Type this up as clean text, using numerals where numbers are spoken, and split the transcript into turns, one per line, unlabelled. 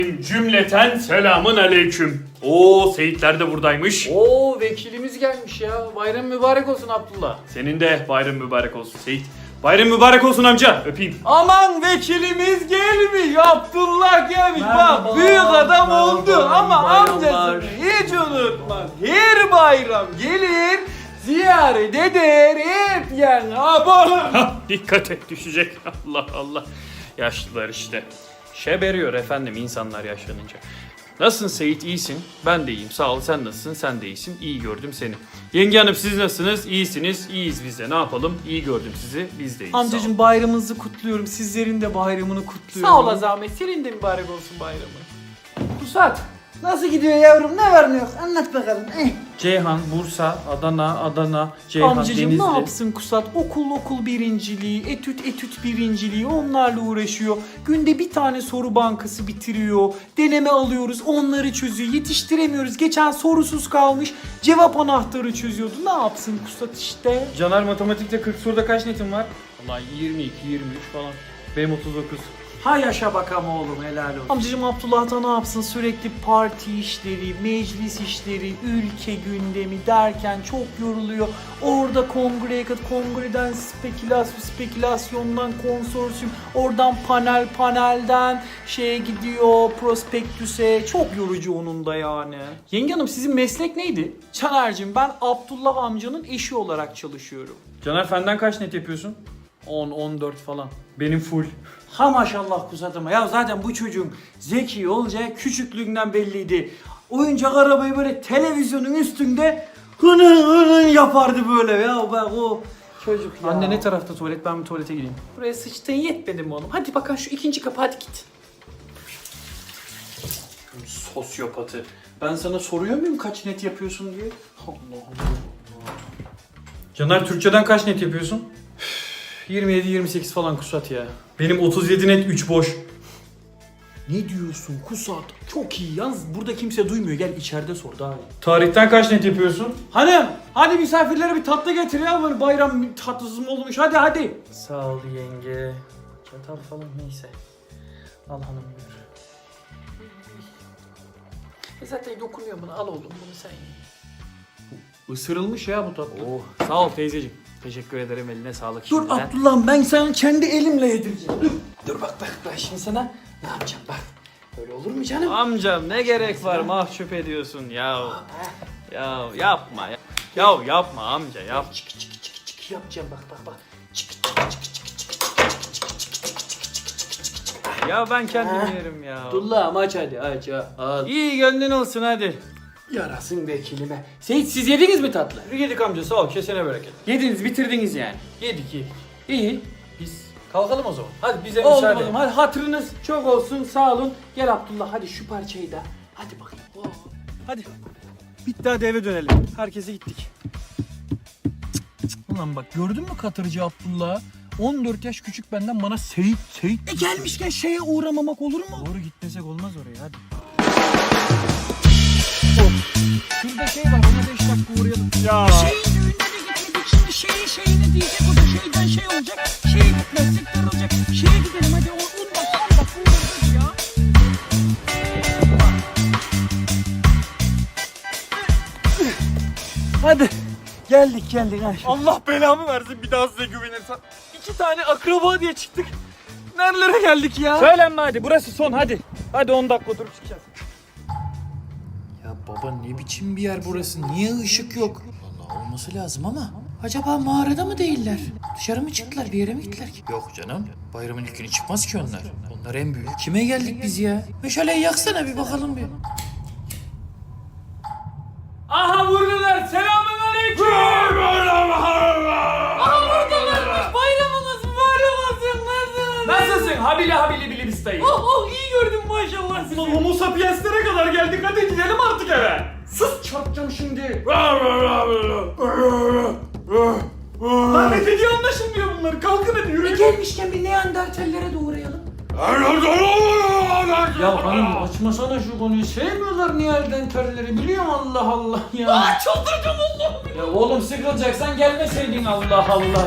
Cümleten selamın aleyküm. Oo, Seyitler de buradaymış.
Oo, vekilimiz gelmiş ya. Bayram mübarek olsun Abdullah.
Senin de bayram mübarek olsun Seyit. Bayram mübarek olsun amca. Öpeyim.
Aman vekilimiz gelmiş. Abdullah gelmiş.
Merhaba,
Bak büyük adam
merhaba,
oldu
iyi
ama
bayramlar.
amcasını hiç unutmaz. Her bayram gelir ziyaret eder hep yani. Abone.
Hah, dikkat et, düşecek. Allah Allah. Yaşlılar işte. Şeberiyor efendim insanlar yaşlanınca. Nasılsın Seyit? İyisin. Ben de iyiyim. Sağ ol. Sen nasılsın? Sen de iyisin. İyi gördüm seni. Yenge hanım siz nasılsınız? İyisiniz. İyiyiz biz de. Ne yapalım? İyi gördüm sizi. Biz de iyiyiz.
Amcacığım bayramınızı kutluyorum. Sizlerin de bayramını kutluyorum.
Sağ ol zahmet. Senin de mübarek olsun bayramı.
Pusat, nasıl gidiyor yavrum? Ne var ne yok? Anlat bakalım.
Ceyhan, Bursa, Adana, Ceyhan,
Amcacığım
Denizli.
ne yapsın Kusat? Okul birinciliği, etüt birinciliği onlarla uğraşıyor. Günde bir tane soru bankası bitiriyor. Deneme alıyoruz, onları çözüyor. Yetiştiremiyoruz. Geçen sorusuz kalmış. Cevap anahtarı çözüyordu. Ne yapsın Kusat işte?
Caner matematikte 40 soruda kaç netin var?
Vallahi 22, 23 falan.
Benim 39.
Ha yaşa bakalım oğlum, helal olsun.
Amcacığım Abdullah da ne yapsın? Sürekli parti işleri, meclis işleri, ülke gündemi derken çok yoruluyor. Orada kongreye kat, kongreden spekülasyondan konsorsiyum, oradan panelden şeye gidiyor, prospektüse. Çok yorucu onun da yani. Yenge hanım sizin meslek neydi? Caner'cim ben Abdullah amcanın eşi olarak çalışıyorum.
Caner fenden kaç net yapıyorsun?
10-14 falan.
Benim full.
Ha maşallah Kusatıma. Ya zaten bu çocuğun zeki olacağı küçüklüğünden belliydi. Oyuncak arabayı böyle televizyonun üstünde hını yapardı böyle ya. Bak o çocuk ya.
Anne ne tarafta tuvalet? Ben bir tuvalete gireyim. Buraya sıçtığın yetmedi mi oğlum? Hadi bakalım şu ikinci kapı, hadi git.
Sosyopatı.
Ben sana soruyor muyum kaç net yapıyorsun diye? Allah Allah.
Caner Türkçeden kaç net yapıyorsun?
27-28 falan Kusat ya.
Benim 37 net 3 boş.
Ne diyorsun Kusat? Çok iyi. Yalnız burada kimse duymuyor. Gel içeride sor daha iyi.
Tarihten kaç net yapıyorsun?
Hanım hadi misafirlere bir tatlı getir ya. Böyle bayram tatlısı mı olmuş? Hadi.
Sağ ol yenge. Çatal falan neyse. Al hanım buyur.
Zaten dokunuyor buna. Al oğlum bunu sen ye. Isırılmış ya bu tatlı. Oh, sağ ol teyzeciğim. Teşekkür ederim, eline sağlık.
Dur
şimdiden.
Abdullah'ım, ben sana kendi elimle yedireceğim.
Dur bak şimdi sana ne yapacağım bak. Böyle olur mu canım?
Amcam ne gerek var, mahcup ediyorsun ya. Ya yapma ya. Ya yapma amca, yap.
Çık yapacağım bak.
Ya ben kendim yerim ya.
Abdullah'ım aç hadi aç. Al.
İyi gönlün olsun hadi.
Yarasın vekilime. Seyit siz yediniz mi tatlı?
Yedik amca, sağ ol, kesene bereket.
Yediniz, bitirdiniz yani.
Yedik.
İyi.
Biz kalkalım o zaman. Hadi bize
Oldu
müsaade.
oğlum, hadi hatırınız çok olsun, sağ olun. Gel Abdullah hadi şu parçayı da. Hadi bakayım. Oh.
Hadi. Bitti hadi eve dönelim. Herkese gittik. Ulan bak gördün mü Katırcı Abdullah? 14 yaş küçük benden bana Seyit.
Gelmişken şeye uğramamak olur mu?
Doğru gitmesek olmaz oraya hadi.
Şurada şey var, ona 5 dakika uğrayalım.
Ya.
Şeyin düğününe de gitmedik, şimdi şeyine diyecek, o da şeyden şey olacak. Şeye gitmezsek darılacak. Şeye gidelim hadi, 10 dakika uğrarız ya. Hadi. Geldik. Hadi.
Allah belamı versin bir daha size güvenirsem. 2 tane akraba diye çıktık. Nerelere geldik ya?
Söylenme hadi, burası son hadi. Hadi 10 dakika oturup çıkacağız.
Ya baba ne biçim bir yer burası? Niye ışık yok? Vallahi olması lazım ama. Acaba mağarada mı değiller? Dışarı mı çıktılar? Bir yere mi gittiler ki? Yok canım. Bayramın ilk günü çıkmaz ki onlar. Onlar en büyük. Kime geldik biz ya? Meşaleyi yaksana bir bakalım bir.
Aha vurdular, selamün aleyküm.
Bayramınız mübarek olsun.
Nasılsın? Habili bili bistayı.
İyi gördüm maşallah sizi.
Homo sapienslere kadar geldik, hadi gidelim artık eve.
Sus çarpacağım şimdi.
Lan ne dediği anlaşılmıyor bunlar. Kalkın hadi yürüyün.
Gelmişken bir Neandertallere de uğrayalım.
Ya hanım açmasana şu konuyu. Sevmiyorlar Neandertalleri, biliyor musun? Allah Allah ya.
Çıldıracağım Allah'ım.
Ya oğlum sıkılacaksan gelmeseydin, Allah Allah